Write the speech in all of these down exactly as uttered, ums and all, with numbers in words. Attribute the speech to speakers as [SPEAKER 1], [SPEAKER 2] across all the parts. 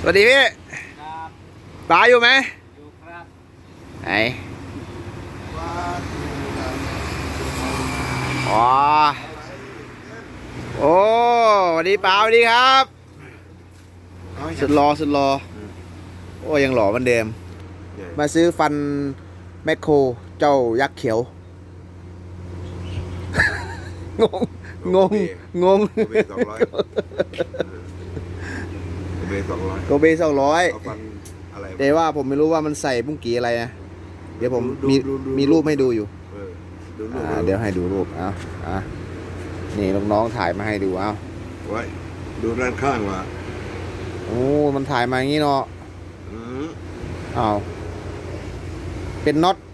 [SPEAKER 1] วัสดีพี่
[SPEAKER 2] ครับ
[SPEAKER 1] ปลาอยู่ไหม
[SPEAKER 2] อยู่ครับ
[SPEAKER 1] ไหนอ๋อโอ้สวัสดีปลาสวัสดีครับสุดรอสุดรอโอ้ยังหล่อเหมือนเดิมมาซื้อฟันแมคโครเจ้ายักษ์เขียวงงงงงง
[SPEAKER 3] โกเบสองร้อยโกเบสองร้อย
[SPEAKER 1] โกเบสองร้อย
[SPEAKER 3] เอาฟันอะไรวะ
[SPEAKER 1] แต่ว่าผมไม่รู้ว่ามันใส่บุ้งกี่อะไรนะเดี๋ยวผม
[SPEAKER 3] ดู
[SPEAKER 1] มี
[SPEAKER 3] ดูดู
[SPEAKER 1] มีรูปให้ดูอยู่
[SPEAKER 3] เออดูรูป
[SPEAKER 1] อ่าเดี๋ยวให้ดูรูปเอาอ่ะนี่น้องๆถ่ายมาให้ดูเอา
[SPEAKER 3] ไว้ดูด้านข้างว่ะ
[SPEAKER 1] โอ้มันถ่ายมาอย่างนี้เนาะ
[SPEAKER 3] อืม
[SPEAKER 1] อ้าวเป็นน็อต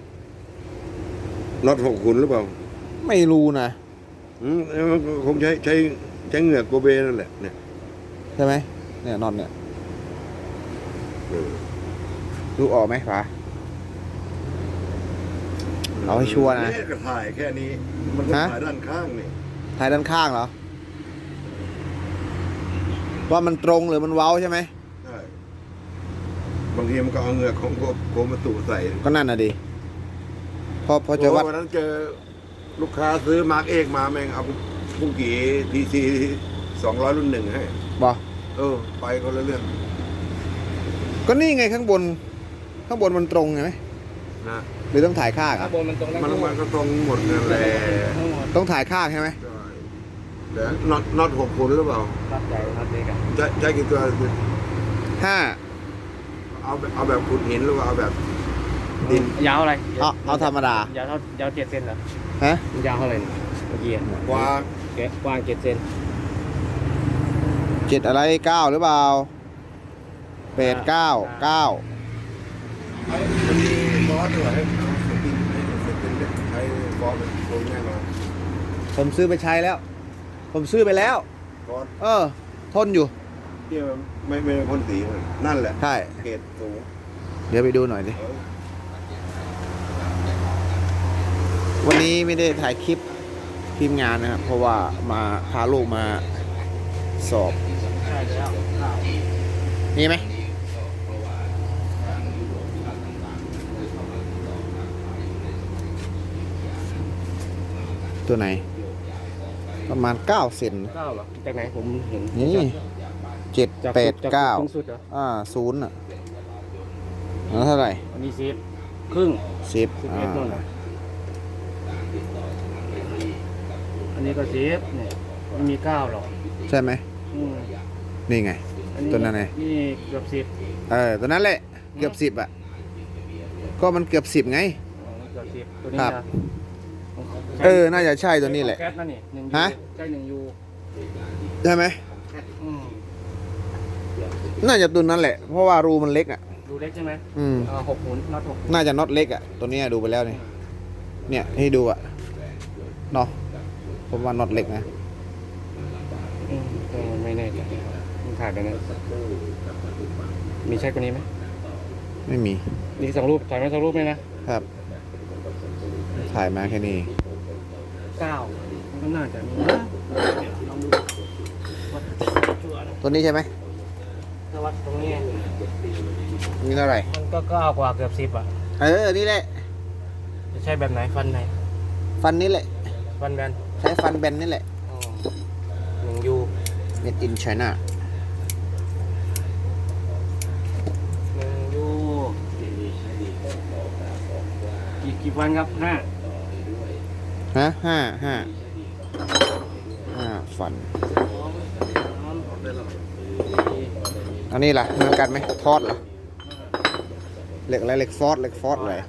[SPEAKER 3] น็อตหกขุนหรือเปล่า
[SPEAKER 1] ไม่รู้นะ
[SPEAKER 3] อืมมันคงใช้ใช้ใช้เหงือกโกเบนั่นแหละเนี่ย
[SPEAKER 1] ใช่ไหมเนี่ยน็อตเนี่ย
[SPEAKER 3] เออ
[SPEAKER 1] ดูออกไหมป๋า เอาให้ชัวร์นะ
[SPEAKER 3] เยก็ถ่ายแค่นี้มันก็
[SPEAKER 1] ฮะ
[SPEAKER 3] ถ่ายด้านข้างนี่
[SPEAKER 1] ถ่ายด้านข้างเหรอว่ามันตรงหรือมันเว้าใช่ไหม
[SPEAKER 3] ใช่บางทีมันก็เอาเหงือกของโกโกมาตุใส่
[SPEAKER 1] ก็นั่นน่ะดิพอพอจะวัด
[SPEAKER 3] โอ้วันนั้นเจอลูกค้าซื้อมาร์กเอกมาแม่งเอาบุ้งกี่ทีซีสองร้อยรุ่นหนึ่งให้
[SPEAKER 1] บอก
[SPEAKER 3] เออ ไปคนละเรื่อง
[SPEAKER 1] ก็นี่ไงข้างบน ข้างบนมันตรงไงไหม
[SPEAKER 3] นะ
[SPEAKER 1] หรือต้องถ่ายข้าง
[SPEAKER 2] ข้า
[SPEAKER 1] อ่ะ
[SPEAKER 2] งบนมันตรงแล้ว
[SPEAKER 3] มันมันก็ตรงหมดนั่นแหละ
[SPEAKER 2] ทั้งหมด
[SPEAKER 1] ต้องถ่ายข้างใช่ไหม
[SPEAKER 3] ใช่แต่น็อตน็อตหกขุนหรือเปล่า
[SPEAKER 2] รับใจรับเด็กอะ
[SPEAKER 3] ใช้ใช้กี่ตัว
[SPEAKER 1] ห้า
[SPEAKER 3] เอาแบบเอาแบบขุดหินหรือว่าเอาแบบดิน
[SPEAKER 2] ยาวอะไร
[SPEAKER 1] เอาเอาธรรมดาย
[SPEAKER 2] าวเท่ายาวเจ็ดเซนเหรอ
[SPEAKER 1] ฮะ
[SPEAKER 2] ยาวเท่าไหร่เมื่อกี้
[SPEAKER 3] กว้าง
[SPEAKER 2] แกะกว้างเจ็ดเซน
[SPEAKER 1] เจ็ดอะไรเก้าหรือเปล่าแปดเก้าเก้า
[SPEAKER 3] มันมีฟอสด้วยให้เอาสปริงให้สปริงเนี่ยใช้ฟอสเป็นโครงแน่นอน
[SPEAKER 1] ผมซื้อไปใช้แล้ว ผมซื้อไปแล้ว
[SPEAKER 3] ฟอส
[SPEAKER 1] เออ ทนอยู่
[SPEAKER 3] ที่ไม่ไม่ไม่พ่นสีมันนั่นแหละ
[SPEAKER 1] ใช่
[SPEAKER 3] เกรดสูง
[SPEAKER 1] เดี๋ยวไปดูหน่อยดิ
[SPEAKER 3] เออ
[SPEAKER 1] วันนี้ไม่ได้ถ่ายคลิปทีมงานนะครับ เพราะว่ามาพาลูกมาสอบ
[SPEAKER 2] ใช่แล้ว
[SPEAKER 1] มีไหมตัวไหน ประมาณเก้าเซน
[SPEAKER 2] เก้าเหรอจากไหนผมเห็น
[SPEAKER 1] นี่เจ็ด
[SPEAKER 2] จาก
[SPEAKER 1] แปด
[SPEAKER 2] จาก
[SPEAKER 1] เก้า
[SPEAKER 2] สูงสุดเหรอ
[SPEAKER 1] อ่าศูนย์อ่ะแล้วเท่าไหร่
[SPEAKER 2] อันนี้สิบครึ่ง
[SPEAKER 1] สิบ
[SPEAKER 2] สิบ
[SPEAKER 1] อ่า
[SPEAKER 2] เอ็ดนู่นน่ะอันนี้ก็สิบเนี่ยไม่มีเก้าหรอก
[SPEAKER 1] ใช่ไหม
[SPEAKER 2] อืม
[SPEAKER 1] นี่ไง
[SPEAKER 2] อั
[SPEAKER 1] ตัวนั้นไง
[SPEAKER 2] นี่เกือบสิบ
[SPEAKER 1] เออตัวนั้นแหละ เกือบสิบอ่ะ ก็มันเกือบสิบไง
[SPEAKER 2] อ๋อเกือบสิบตัวนี้
[SPEAKER 1] ครับ
[SPEAKER 2] นะ
[SPEAKER 1] เออ น่าจะใช่ตัวนี้แหละ
[SPEAKER 2] แก๊สนั่นนี่หนึ่งยู
[SPEAKER 1] ฮะ
[SPEAKER 2] ใช่หนึ่งยู
[SPEAKER 1] ใช่ไหม
[SPEAKER 2] อืม
[SPEAKER 1] น่าจะตัวนั้นแหละ เพราะว่ารูมันเล็กอ่ะ
[SPEAKER 2] ดูเล็กใช่ไหม
[SPEAKER 1] อืม
[SPEAKER 2] อ่าหกหุ่นน็อตหก
[SPEAKER 1] น่าจะน็อตเล็กอ่ะ ตัวนี้ดูไปแล้วนี่ เนี่ยให้ดูอ่ะ เนาะ ผมว่าน็อตเล็กนะ
[SPEAKER 2] อืมก็ไม่แน่ใจมันถ่ายไปนะมีใช่กว่านี้ไหม
[SPEAKER 1] ไม่มี
[SPEAKER 2] นี่สองรูปถ่ายมาสองรูปไหมนะครับ
[SPEAKER 1] ถ่ายมาแค่นี้
[SPEAKER 2] เก้ามันก็น่าจะมีนะลองดูวัดชัวร์นะ
[SPEAKER 1] ตัวนี้ใช่ไหม
[SPEAKER 2] ถ้าวัดตรงนี้
[SPEAKER 1] มีเท่าไหร่
[SPEAKER 2] มันก็เก้ากว่าเกือบสิบอ่ะ
[SPEAKER 1] เออ นี่แหละ
[SPEAKER 2] จะใช่แบบไหนฟันไหน
[SPEAKER 1] ฟันนี่แหละ
[SPEAKER 2] ฟันแบน
[SPEAKER 1] ใช้ฟันแบนนี่แหละ
[SPEAKER 2] อ๋อหนึ่งยู
[SPEAKER 1] made in China
[SPEAKER 2] หนึ่งยูกี่กี่ฟันครับห้า
[SPEAKER 1] ฮะห้าห้าห้าฟัน อันนี้ล่ะเหมือนกันไหมทอดเหรอเหล็กอะไรเหล็กฟอสเหล็กฟอสอะไร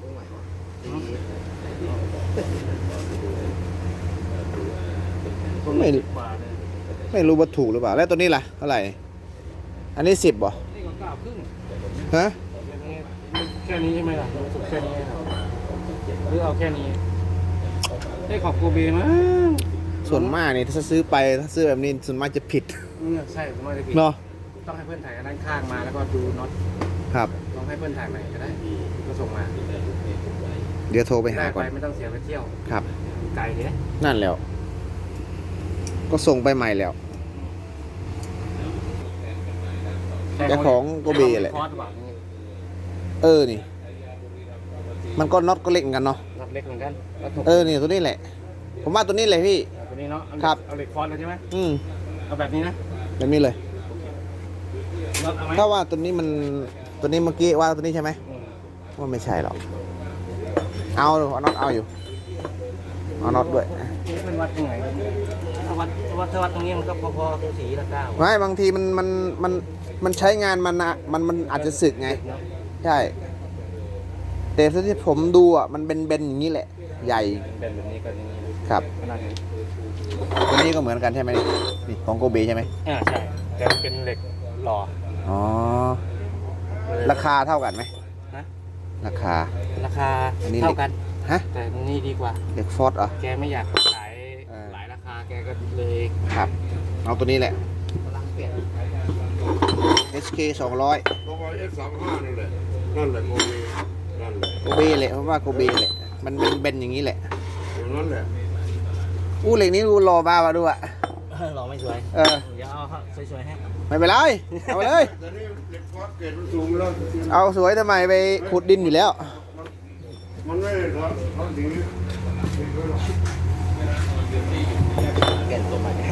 [SPEAKER 1] ไม่ไม่รู้ว่าถูกหรือเปล่า แล้วตัวนี้ล่ะเท่าไหร่ อันนี้สิบบ่
[SPEAKER 2] นี่ก็เก้าครึ่ง
[SPEAKER 1] ฮะ
[SPEAKER 2] แค่นี้ใช่ไหมล่ะรู้สึกแค่นี้ครับหรือเอาแค่นี้ได้ขอบโกเบมั้ง
[SPEAKER 1] ส่วนมากนี่ถ้าซื้อไปถ้าซื้อแบบนี้ส่วนมากจะผิด
[SPEAKER 2] ใช่ผมว่าจะผิด
[SPEAKER 1] เนาะ
[SPEAKER 2] ต้องให้เพื่อนถ่ายด้านข้างมาแล้วก็ดูน็อต
[SPEAKER 1] ครับ
[SPEAKER 2] ลองให้เพื่อนถ่ายใหม่ก็ได้ก็ส่งมา
[SPEAKER 1] เดี๋ยวโทรไปหา
[SPEAKER 2] ได้
[SPEAKER 1] ก่อน
[SPEAKER 2] ไปไม่ต้องเสียไปเที่ยว
[SPEAKER 1] ครับ
[SPEAKER 2] ไกลเลย
[SPEAKER 1] นั่นแล้ว ก็ส่งไปใหม่แล้ว
[SPEAKER 2] ใช้
[SPEAKER 1] เจ้าของโกเบแหละ
[SPEAKER 2] คอร์สหรือเปล่านี่
[SPEAKER 1] เออนี่ มันก็น็อตก็เล็กเหมือนกันเนาะ
[SPEAKER 2] น็อตเล็กเหมือนกันแล้วถูก
[SPEAKER 1] เออนี่ตัวนี้แหละ ผมว่าตัวนี้เลยพี่
[SPEAKER 2] เอาตัวนี้เนาะเอาเหล็ก
[SPEAKER 1] ครับ
[SPEAKER 2] เอาเหล็กคอร์สเลยใช่ไหม
[SPEAKER 1] อืม
[SPEAKER 2] เอาแบบนี้นะ
[SPEAKER 1] แบบนี้เลย
[SPEAKER 2] น็อตเอาไหม
[SPEAKER 1] ถ้าว่าตัวนี้มันตัวนี้เมื่อกี้ว่าตัวนี้ใช่ไหม
[SPEAKER 2] อืม
[SPEAKER 1] ว่าไม่ใช่หรอกเอาเอาน็อตเอาอยู่เอาน็อตด้วย
[SPEAKER 2] นี่มันวัดยังไงถ้าวัดวัดถ้าวัดตรงนี้มันก็พอๆตัวสีละเก้า
[SPEAKER 1] ไม่บางทีมันมันมันมันใช้งานมันนะมันมันอาจจะสึกไง
[SPEAKER 2] เนาะ
[SPEAKER 1] ใช่แต่ที่ผมดูอ่ะมันเป็นเบนอย่างนี้แหละ ใหญ่
[SPEAKER 2] เป็นแบบนี้ก็อย่างนี้นะครับ ขนาดนี้
[SPEAKER 1] ตัวนี้ก็เหมือนกันใช่ไหมนี่ของโกเบใช่ไหม
[SPEAKER 2] อ่าใช่แต่มันเป็นเหล็กหล่อ
[SPEAKER 1] อ๋อราคาเท่ากันไหม
[SPEAKER 2] นะ
[SPEAKER 1] ราคา
[SPEAKER 2] ราคา
[SPEAKER 1] อันนี้
[SPEAKER 2] เท่ากัน
[SPEAKER 1] ฮะ
[SPEAKER 2] แต่นี่ดีกว่า
[SPEAKER 1] เด็กฟอร์ดเหรอ
[SPEAKER 2] แกไม่อยากขาย
[SPEAKER 1] เออ
[SPEAKER 2] หลายราคาแกก็เลย
[SPEAKER 1] ครับเอาตัวนี้แหละ
[SPEAKER 2] กำลังเปลี่ยน
[SPEAKER 1] เอส เค สองร้อย
[SPEAKER 3] โกบอยเอฟสามห้านั่นแหละนั่นแหละโกเบนั่นแหละ
[SPEAKER 1] โกเบแหละเพราะว่าโกเบแหละมันเป็นเบนอย่างนี้แหละ
[SPEAKER 3] อย่างนั้นแหละ
[SPEAKER 1] อู้เหล็กนี้ดูรอบ้าวะดูอ่ะ
[SPEAKER 2] หล่อไม่สวย
[SPEAKER 1] เออ
[SPEAKER 2] เดี๋ยวเอาสวยๆให้
[SPEAKER 1] ไม่เป็นไรเอาไปเลย
[SPEAKER 3] แต่นี่เหล็กฟอสเกรดมันสูงแล้ว
[SPEAKER 1] เอาสวยทำไมไปขุดดินอยู่แล้ว
[SPEAKER 3] มันไม่ได้ร้อนร้อนดี
[SPEAKER 2] เปลี่ยนตัวใหม่ให้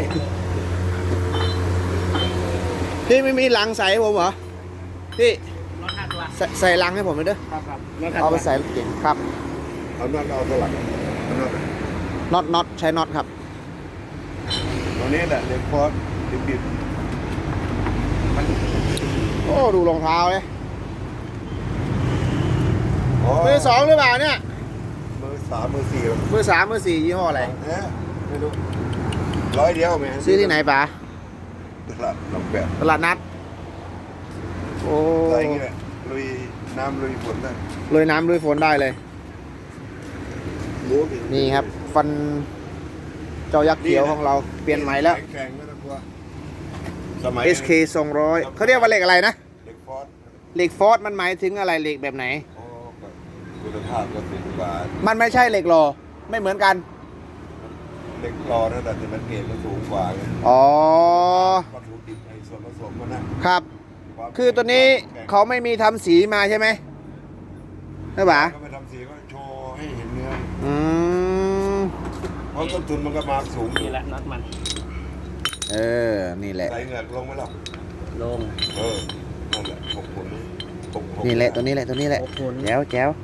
[SPEAKER 1] พี่ไม่มีลังใส่ให้ผมเหรอพี่
[SPEAKER 2] รถห้าตัว
[SPEAKER 1] ใส่ใส่ลังให้ผมเลยเด้อ
[SPEAKER 2] ครับครับรถห้า
[SPEAKER 1] เอา
[SPEAKER 2] ตั
[SPEAKER 1] ไป
[SPEAKER 2] ว
[SPEAKER 1] ใส่รถเก๋งครับ
[SPEAKER 3] เอาน็อตเอาเท่าไหร่เอาน็อต
[SPEAKER 1] น็อตน็อตใช้น็อตครับ
[SPEAKER 3] ตัวนี้แหละเหล็กฟอสดิบ
[SPEAKER 1] โอ้ดูรองเท้าเลย
[SPEAKER 3] ๆอ๋อ
[SPEAKER 1] มือสองหรือเปล่าเนี่ย
[SPEAKER 3] มือสามมือสี่
[SPEAKER 1] มือสามมือสี่ยี่ห้ออะไร
[SPEAKER 3] เอ๊ะไม่รู้ร้อยเดียวไหม
[SPEAKER 1] ซื้อที่ไหนป๋า
[SPEAKER 3] ตลาดหนองแปด
[SPEAKER 1] ตลาดนัดโอ้
[SPEAKER 3] ใส่อย่างงี้แหละลุยน้ำลุยฝนได้
[SPEAKER 1] ลุยน้ำลุยฝนได้เลย
[SPEAKER 3] รู้ดิ
[SPEAKER 1] นี่ครับ ฟันเจ้ายักษ์เขียวของเราเปลี่ยนใหม่แล้ว
[SPEAKER 3] แข็งไม่ต้องกลัวสมัย
[SPEAKER 1] เอส เค สองร้อยเขาเรียกว่าเหล็กอะไรนะ
[SPEAKER 3] เหล็กฟอส
[SPEAKER 1] เหล็กฟอร์ดมันหมายถึงอะไรเหล็กแบบไหน
[SPEAKER 3] โอ้ก็คุณภาพก็สูงกว่า
[SPEAKER 1] มันไม่ใช่เหล็กหล่อไม่เหมือนกัน
[SPEAKER 3] เหล็กรอนั่นแหละแต่มันเกรดมันสูงกว่าไง
[SPEAKER 1] อ๋อ
[SPEAKER 3] วัตถุดิบไอ้ส่วนผสมมันนะครับ วาม
[SPEAKER 1] คือตัวนี้
[SPEAKER 3] แข็ง
[SPEAKER 1] เขาไม่มีทำสีมาใช่ไหมใช่ปะ
[SPEAKER 3] ก็ไปทำสีก็โชว์ให้เห็นเนื้อ
[SPEAKER 1] อืม
[SPEAKER 3] เพราะต้นทุนมันก็มาสูงอยู่
[SPEAKER 2] นี่แหละน็อตมัน
[SPEAKER 1] เออ นี่แหละ
[SPEAKER 3] ใส่เหงือกลงไหมล่ะ
[SPEAKER 2] ลง
[SPEAKER 3] เออนั่นแหละหกผลหกหก
[SPEAKER 1] นี่แหละตัวนี้แหละตัวนี้แหละ
[SPEAKER 2] หกผล
[SPEAKER 1] แจ๋วแจ๋ว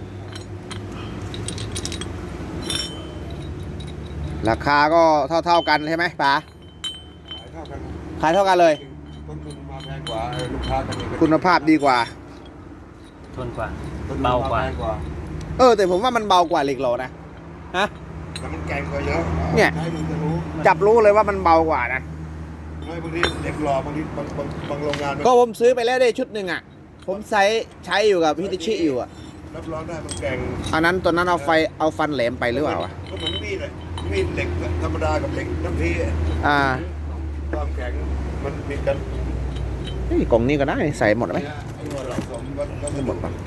[SPEAKER 1] ราคาก็เท่าเท่าๆกันใช่ไหมป๋า
[SPEAKER 3] ขายเท่ากัน
[SPEAKER 1] ขายเท่ากันเลย
[SPEAKER 3] ต้นทุนมาแพงกว่าเออลูกค้ากันเองก็
[SPEAKER 1] คุณภาพดีกว่า
[SPEAKER 2] ทนกว่า
[SPEAKER 3] ต้นทุน
[SPEAKER 2] เบากว่า
[SPEAKER 3] แพงกว่า
[SPEAKER 1] เออ แต่ผมว่ามันเบากว่าเหล็กหล่อนะฮะ
[SPEAKER 3] แต่มันแกร่งกว่าเยอะ
[SPEAKER 1] เนี่ย
[SPEAKER 3] ใช้ดูจะรู้
[SPEAKER 1] จับรู้เลยว่ามันเบากว่านะ
[SPEAKER 3] ไม่บางทีเด็กหล่อบางทีบางบางบางโรงงานมัน
[SPEAKER 1] ก็ผมซื้อไปแล้วได้ชุดหนึ่งอ่ะ ผมใช้ใช้อยู่กับฮิตาชิอยู่อ่ะ
[SPEAKER 3] รับรองได้มันแกร่ง
[SPEAKER 1] อันนั้นตอนนั้นเอาไฟเอาฟันแหลมไปหรือเปล่าวะ
[SPEAKER 3] ก็เหมือนมีดเลยมีดเหล็กธรรมดากับเหล็กน้ำพีอะ
[SPEAKER 1] อ่า
[SPEAKER 3] ความแข็งมันมีกัน
[SPEAKER 1] เฮ้ยกล่องนี้ก็ได้ใส่หมดไหม
[SPEAKER 3] เนี่ยไอ้หัวหลอกสมก็ก็
[SPEAKER 1] ไม่หมดปะ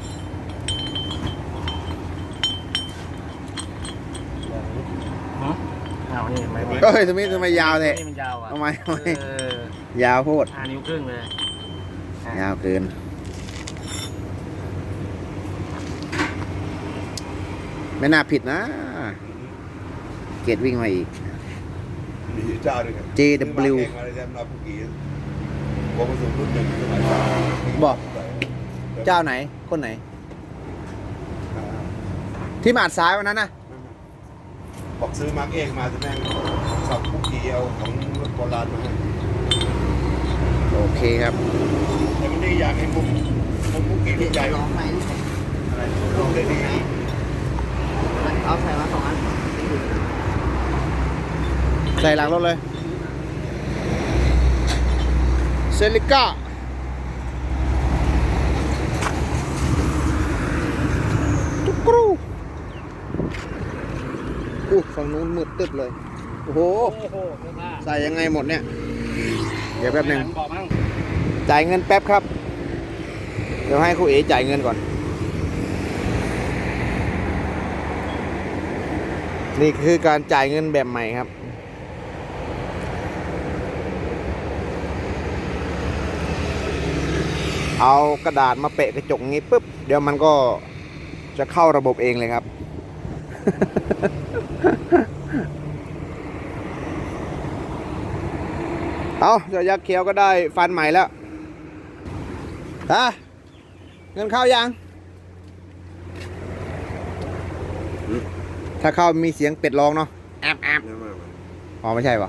[SPEAKER 2] ฮะเอานี่ไม่ไม่
[SPEAKER 1] เฮ้ยทำไมทำไมยาวเลย
[SPEAKER 2] นี่มันยาวอ่ะ
[SPEAKER 1] ทำไมทำไม
[SPEAKER 2] เออย
[SPEAKER 1] าวโพด
[SPEAKER 2] ห้านิ้วครึ่งเลยอ่ะ
[SPEAKER 1] ยาวเกิน ไม่น่าผิดนะ เกตวิ่งมาอีก
[SPEAKER 3] มีเจ้าด้วยกัน
[SPEAKER 1] เจ ดับเบิลยู
[SPEAKER 3] ซื้อมาเองมาเลยแซมนาปุกีวงผสมรุ่นหนึ่งสมัยก่อน
[SPEAKER 1] บอก เจ้าไหน คนไหน ที่มาดซ้ายวันนั้นนะ
[SPEAKER 3] บอกซื้อมาเองมาจะแม่งขับปุกีเอาของรถโบราณมาให้
[SPEAKER 1] โอเคครับ
[SPEAKER 3] แต่มันได้อย่างไอ้มุมมุมปุกีลูกใหญ่อะไรลูกได้ดี
[SPEAKER 2] เอาใส่มาสองอัน
[SPEAKER 1] ใส่หลังรถเลย เซลิก้า ตุ๊กกรูอู้ฝั่งนู้นมืดตึ๊บเลย โอ้โห
[SPEAKER 2] โอ้โหเสื้อผ้า
[SPEAKER 1] ใส่ยังไงหมดเนี่ย เดี๋ยวแป๊บหนึ่ง
[SPEAKER 2] บอกมั่ง
[SPEAKER 1] จ่ายเงินแป๊บครับ เดี๋ยวให้ครูเอ๋จ่ายเงินก่อน นี่คือการจ่ายเงินแบบใหม่ครับเอากระดาษมาเปะกระจกงี้ปุ๊บเดี๋ยวมันก็จะเข้าระบบเองเลยครับ เอาเจ้ายักษ์เขียวก็ได้ฟันใหม่แล้วฮะเงินเข้ายัง ถ้าเข้ามีเสียงเป็ดร้องเนาะแอบแอบ
[SPEAKER 3] ไม่ไม่ไม่
[SPEAKER 1] อ๋อไม่ใช่ปะ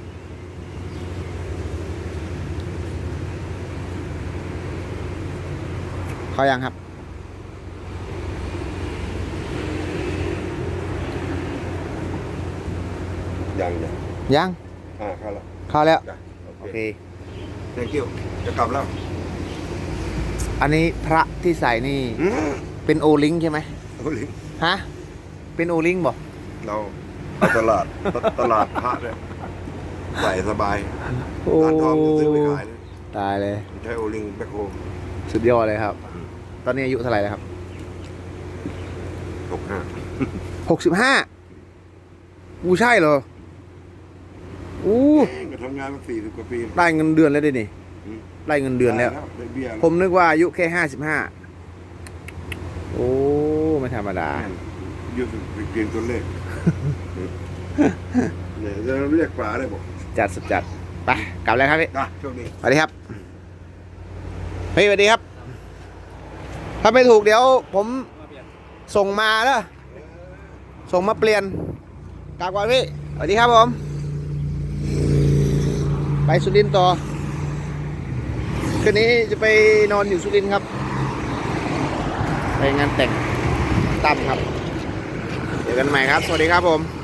[SPEAKER 1] เข้ายังครับ
[SPEAKER 3] ยังยัง
[SPEAKER 1] ยัง
[SPEAKER 3] อ่าเข้าแล้ว
[SPEAKER 1] เข้าแล้ว
[SPEAKER 3] จ้ะโอ
[SPEAKER 1] โอ
[SPEAKER 3] เค
[SPEAKER 1] เค
[SPEAKER 3] thank you จะกลับแล้ว
[SPEAKER 1] อันนี้พระที่ใส่นี่
[SPEAKER 3] อืม
[SPEAKER 1] เป็นโอลิงใช่ไหม
[SPEAKER 3] โอ้ลิง
[SPEAKER 1] ฮะ เป็นโอลิงบ่
[SPEAKER 3] เราเอาตลาดตตลาดพระเนี่ยใส่สบาย
[SPEAKER 1] โอ้
[SPEAKER 3] ร้านทองจะซื้อไปขายเลย
[SPEAKER 1] ตายเลย
[SPEAKER 3] ใช้โอลิงแบคโฮ
[SPEAKER 1] สุดยอดเลยครับ ตอนนี้อายุเท่าไหร่แล้วครับ
[SPEAKER 3] หกห้า
[SPEAKER 1] หกสิบห้าอู้ใช่เหรออู้
[SPEAKER 3] ก็ทำงานมาสี่สิบกว่าปี
[SPEAKER 1] ได้เงินเดือนแล้วดินี่
[SPEAKER 3] อืม
[SPEAKER 1] ได้เงินเดือนแล้ว
[SPEAKER 3] ได้เบี้ยแล้ว
[SPEAKER 1] ผมนึกว่าอายุแค่ห้าสิบห้าโอ้ไม่ธรรมดา
[SPEAKER 3] ยืดเพียงตัวเลขเนี่ยจะเรียกป๋าได้บอก
[SPEAKER 1] จัดสุดจัดไปกลับแล้วครับพี่
[SPEAKER 3] อ่ะโชคดี
[SPEAKER 1] สวัสดีครับเฮ้ยสวัสดีครับ ถ้าไม่ถูกเดี๋ยวผมส่งมาแล้วส่งมาเปลี่ยนกลับก่อนพี่สวัสดีครับผม ไปสุรินทร์ต่อคืนนี้จะไปนอนอยู่สุรินทร์ครับ ไปงานแต่งตั้มครับเจอกันใหม่ครับ สวัสดีครับผม